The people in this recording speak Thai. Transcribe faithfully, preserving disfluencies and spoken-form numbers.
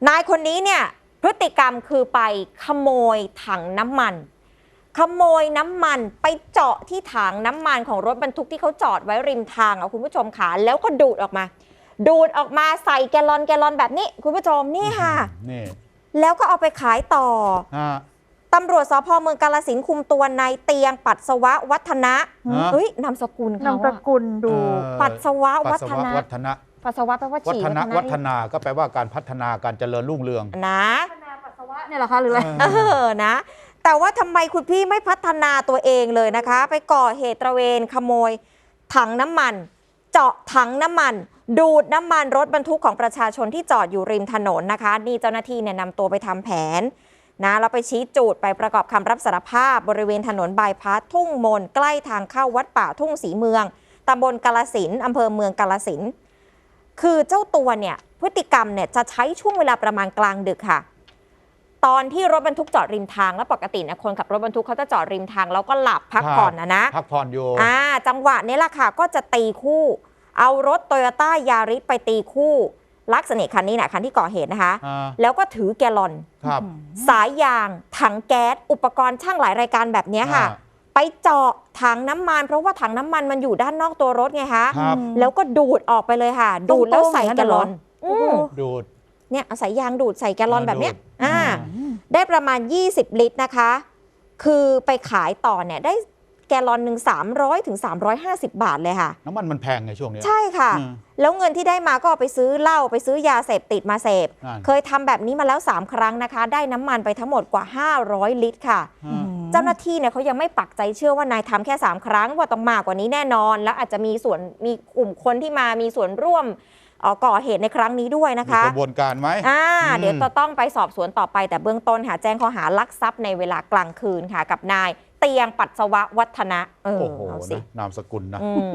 นายคนนี้เนี่ยพฤติกรรมคือไปขโมยถังน้ำมันขโมยน้ำมันไปเจาะที่ถังน้ำมันของรถบรรทุกที่เขาจอดไว้ริมทางอ่ะคุณผู้ชมค่ะแล้วก็ดูดออกมาดูดออกมาใส่แกลลอนแกลลอนแบบนี้คุณผู้ชมนี่ค่ะนี่แล้วก็เอาไปขายต่อตำรวจสภ.เมืองกาฬสินธุ์คุมตัวนายเตียงปัสสวะวัฒนะเฮ้ยนามสกุลเขานามสกุลดูปัสสวะวัฒนะปัสสาวะแปลว่าฉี่วัฒนาวัฒนาก็แปลว่าการพัฒนาการเจริญรุ่งเรืองนะพัฒนาปัสสาวะเนี่ยเหรอคะหรืออะไรเออนะแต่ว่าทำไมคุณพี่ไม่พัฒนาตัวเองเลยนะคะไปก่อเหตุตระเวนขโมยถังน้ำมันเจาะถังน้ำมันดูดน้ำมันรถบรรทุกของประชาชนที่จอดอยู่ริมถนนนะคะนี่เจ้าหน้าที่เนี่ยนำตัวไปทำแผนนะเราไปชี้จุดไปประกอบคำรับสารภาพบริเวณถนนบายพาสทุ่งมนใกล้ทางเข้าวัดป่าทุ่งศรีเมืองตำบลกาฬสินธุ์อำเภอเมืองกาฬสินธุ์คือเจ้าตัวเนี่ยพฤติกรรมเนี่ยจะใช้ช่วงเวลาประมาณกลางดึกค่ะตอนที่รถบรรทุกจอดริมทางแล้วปกติเนี่ยคนขับรถบรรทุกเขาจะจอดริมทางแล้วก็หลับพักผ่อนนะนะพักผ่อนอยู่อ่าจังหวะนี้แหละค่ะก็จะตีคู่เอารถโตโยต้ายาริสไปตีคู่ลักษณะคันนี้นะคันที่ก่อเหตุนะคะแล้วก็ถือแกลลอนสายยางถังแก๊สอุปกรณ์ช่างหลายรายการแบบนี้ค่ะไปเจาะถังน้ำมันเพราะว่าถังน้ำมันมันอยู่ด้านนอกตัวรถไงคะแล้วก็ดูดออกไปเลยค่ะดูดแล้วใส่แกลลอนดูดเนี่ยสายยางดูดใส่แกลลอนแบบเนี้ยอ่าได้ประมาณยี่สิบลิตรนะคะคือไปขายต่อเนี่ยได้แกลลอนหนึ่งสามร้อยถึงสามร้อยห้าสิบบาทเลยค่ะน้ำมันมันแพงไงช่วงนี้ใช่ค่ะแล้วเงินที่ได้มาก็ไปซื้อเหล้าไปซื้อยาเสพติดมาเสพเคยทำแบบนี้มาแล้วสามครั้งนะคะได้น้ำมันไปทั้งหมดกว่าห้าร้อยลิตรค่ะเจ้าหน้าที่เนี่ยเขายังไม่ปักใจเชื่อว่านายทำแค่สามครั้งว่าต้องมากกว่านี้แน่นอนแล้วอาจจะมีส่วนมีกลุ่มคนที่มามีส่วนร่วมก่อเหตุในครั้งนี้ด้วยนะคะมีกระบวนการไหมอ่าเดี๋ยวจะต้องไปสอบสวนต่อไปแต่เบื้องต้นค่ะแจ้งข้อหาลักทรัพย์ในเวลากลางคืนค่ะกับนายเตียงปัสสวะวัฒนะโอ้โหนามสกุลนะ